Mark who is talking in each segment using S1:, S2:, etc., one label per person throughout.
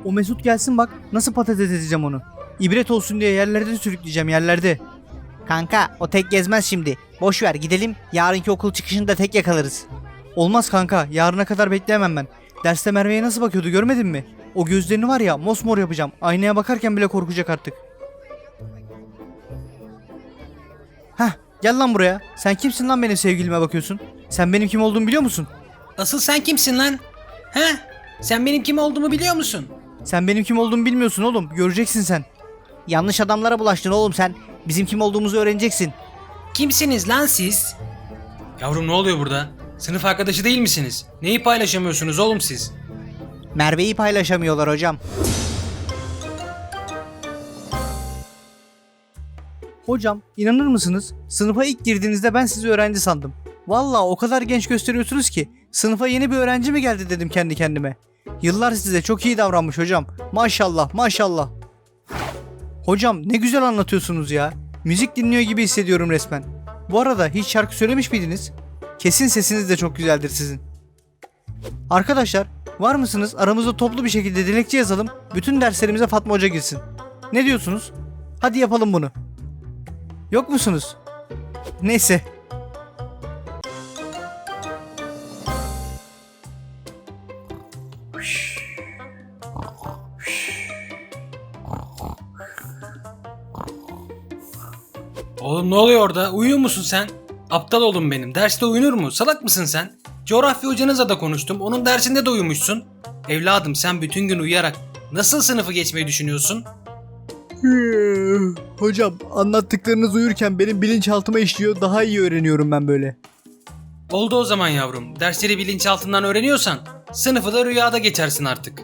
S1: O Mesut gelsin bak nasıl patates edeceğim onu. İbret olsun diye yerlerde sürükleyeceğim yerlerde.
S2: Kanka o tek gezmez şimdi. Boş ver gidelim. Yarınki okul çıkışında tek yakalarız.
S1: Olmaz kanka, yarına kadar bekleyemem ben. Derste Merve'ye nasıl bakıyordu görmedin mi? O gözlerini var ya mosmor yapacağım. Aynaya bakarken bile korkacak artık. Heh, gel lan buraya. Sen kimsin lan benim sevgilime bakıyorsun? Sen benim kim olduğumu biliyor musun?
S3: Asıl sen kimsin lan? He? Sen benim kim olduğumu biliyor musun?
S1: Sen benim kim olduğumu bilmiyorsun oğlum. Göreceksin sen.
S2: Yanlış adamlara bulaştın oğlum sen. Bizim kim olduğumuzu öğreneceksin.
S3: Kimsiniz lan siz? Yavrum ne oluyor burada? Sınıf arkadaşı değil misiniz? Neyi paylaşamıyorsunuz oğlum siz?
S2: Merve'yi paylaşamıyorlar hocam.
S1: Hocam inanır mısınız? Sınıfa ilk girdiğinizde ben sizi öğrenci sandım. Vallahi o kadar genç gösteriyorsunuz ki sınıfa yeni bir öğrenci mi geldi dedim kendi kendime. Yıllar size çok iyi davranmış hocam. Maşallah maşallah. Hocam ne güzel anlatıyorsunuz ya. Müzik dinliyor gibi hissediyorum resmen. Bu arada hiç şarkı söylemiş miydiniz? Kesin sesiniz de çok güzeldir sizin. Arkadaşlar var mısınız aramızda toplu bir şekilde dilekçe yazalım. Bütün derslerimize Fatma Hoca girsin. Ne diyorsunuz? Hadi yapalım bunu. Yok musunuz? Neyse.
S3: Oğlum ne oluyor orada? Uyuyor musun sen? Aptal oğlum benim. Derste uyunur mu? Salak mısın sen? Coğrafya hocanızla da konuştum. Onun dersinde de uyumuşsun. Evladım sen bütün gün uyuyarak nasıl sınıfı geçmeyi düşünüyorsun?
S1: Hocam anlattıklarınız uyurken benim bilinçaltıma işliyor. Daha iyi öğreniyorum ben böyle.
S3: Oldu o zaman yavrum. Dersleri bilinçaltından öğreniyorsan sınıfı da rüyada geçersin artık.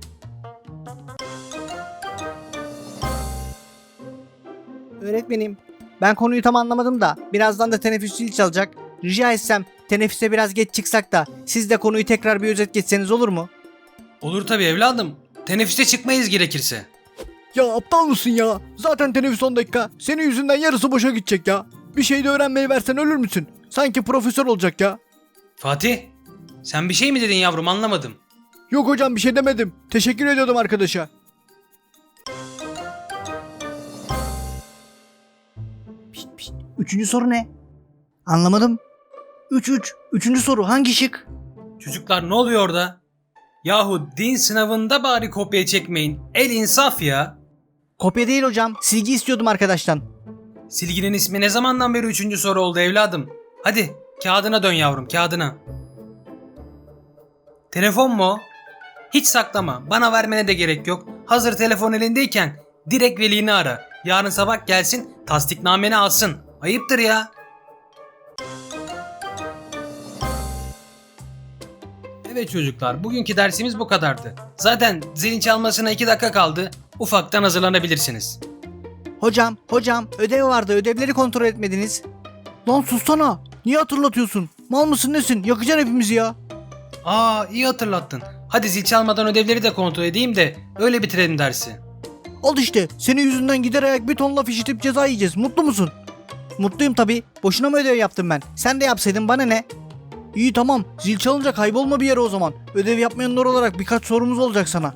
S2: Öğretmenim ben konuyu tam anlamadım da birazdan da teneffüs zil çalacak. Rica etsem teneffüse biraz geç çıksak da siz de konuyu tekrar bir özet geçseniz olur mu?
S3: Olur tabii evladım. Teneffüste çıkmayız gerekirse.
S1: Ya aptal mısın ya? Zaten teneffüs 10 dakika. Senin yüzünden yarısı boşa gidecek ya. Bir şey de öğrenmeyi versen ölür müsün? Sanki profesör olacak ya.
S3: Fatih, sen bir şey mi dedin yavrum anlamadım.
S1: Yok hocam bir şey demedim. Teşekkür ediyordum arkadaşa.
S2: Üçüncü soru ne? Anlamadım. 3. Üçüncü soru hangi şık?
S3: Çocuklar ne oluyor orada? Yahu din sınavında bari kopya çekmeyin. El insaf ya.
S2: Kopya değil hocam. Silgi istiyordum arkadaştan.
S3: Silginin ismi ne zamandan beri 3. soru oldu evladım? Hadi kağıdına dön yavrum kağıdına. Telefon mu o? Hiç saklama. Bana vermene de gerek yok. Hazır telefon elindeyken direkt velini ara. Yarın sabah gelsin tasdiknameni alsın. Ayıptır ya. Evet çocuklar bugünkü dersimiz bu kadardı. Zaten zilin çalmasına 2 dakika kaldı. Ufaktan hazırlanabilirsiniz.
S2: Hocam ödev vardı, ödevleri kontrol etmediniz.
S1: Lan sussana. Niye hatırlatıyorsun? Mal mısın nesin? Yakacaksın hepimizi ya.
S3: Aa iyi hatırlattın. Hadi zil çalmadan ödevleri de kontrol edeyim de öyle bitirelim dersi.
S1: Al işte. Senin yüzünden gider ayak bir ton laf işitip ceza yiyeceğiz. Mutlu musun?
S2: Mutluyum tabii. Boşuna mı ödev yaptım ben? Sen de yapsaydın bana ne?
S1: İyi tamam. Zil çalınca kaybolma bir yere o zaman. Ödev yapmayanlar olarak birkaç sorumuz olacak sana.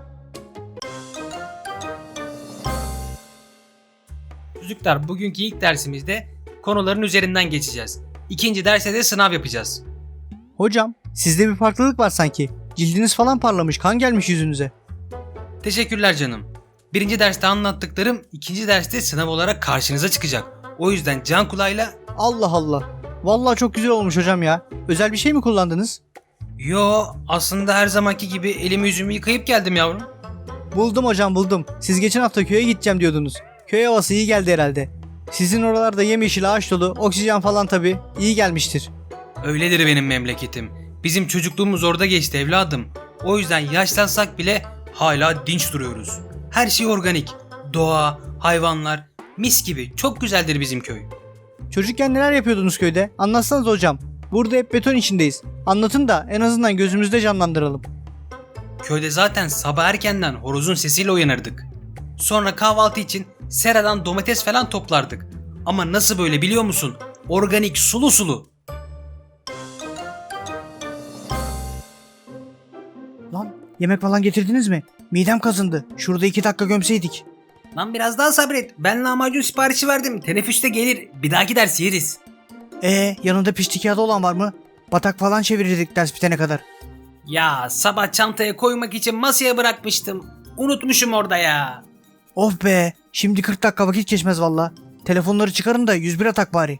S3: Çocuklar bugünkü ilk dersimizde konuların üzerinden geçeceğiz. İkinci derste de sınav yapacağız.
S1: Hocam sizde bir farklılık var sanki. Cildiniz falan parlamış. Kan gelmiş yüzünüze.
S3: Teşekkürler canım. Birinci derste anlattıklarım ikinci derste sınav olarak karşınıza çıkacak. O yüzden can kulağıyla...
S1: Allah Allah. Vallahi çok güzel olmuş hocam ya. Özel bir şey mi kullandınız?
S3: Yo aslında her zamanki gibi elimi yüzümü yıkayıp geldim yavrum.
S1: Buldum hocam buldum. Siz geçen hafta köye gideceğim diyordunuz. Köy havası iyi geldi herhalde. Sizin oralarda yemyeşil ağaç dolu, oksijen falan tabii iyi gelmiştir.
S3: Öyledir benim memleketim. Bizim çocukluğumuz orada geçti evladım. O yüzden yaşlansak bile hala dinç duruyoruz. Her şey organik. Doğa, hayvanlar, mis gibi. Çok güzeldir bizim köy.
S1: Çocukken neler yapıyordunuz köyde? Anlatsanız hocam. Burada hep beton içindeyiz. Anlatın da en azından gözümüzde canlandıralım.
S3: Köyde zaten sabah erkenden horozun sesiyle uyanırdık. Sonra kahvaltı için seradan domates falan toplardık. Ama nasıl böyle biliyor musun? Organik, sulu sulu.
S1: Lan
S2: Yemek falan getirdiniz mi? Midem kazındı. Şurada 2 dakika gömseydik.
S3: Lan biraz daha sabret. Ben lahmacun siparişi verdim. Teneffüste gelir. Bir dahaki ders yeriz.
S2: Yanında pişti kağıdı olan var mı? Batak falan çevirirdik ders bitene kadar.
S3: Ya sabah çantaya koymak için masaya bırakmıştım. Unutmuşum orada ya.
S2: Of be. Şimdi 40 dakika vakit geçmez valla. Telefonları çıkarın da 101 atak bari.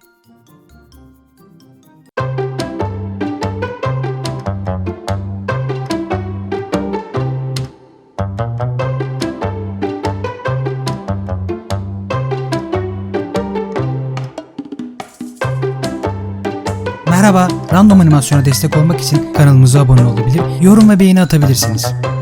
S4: Merhaba, Random Animasyon'a destek olmak için kanalımıza abone olabilir, yorum ve beğeni atabilirsiniz.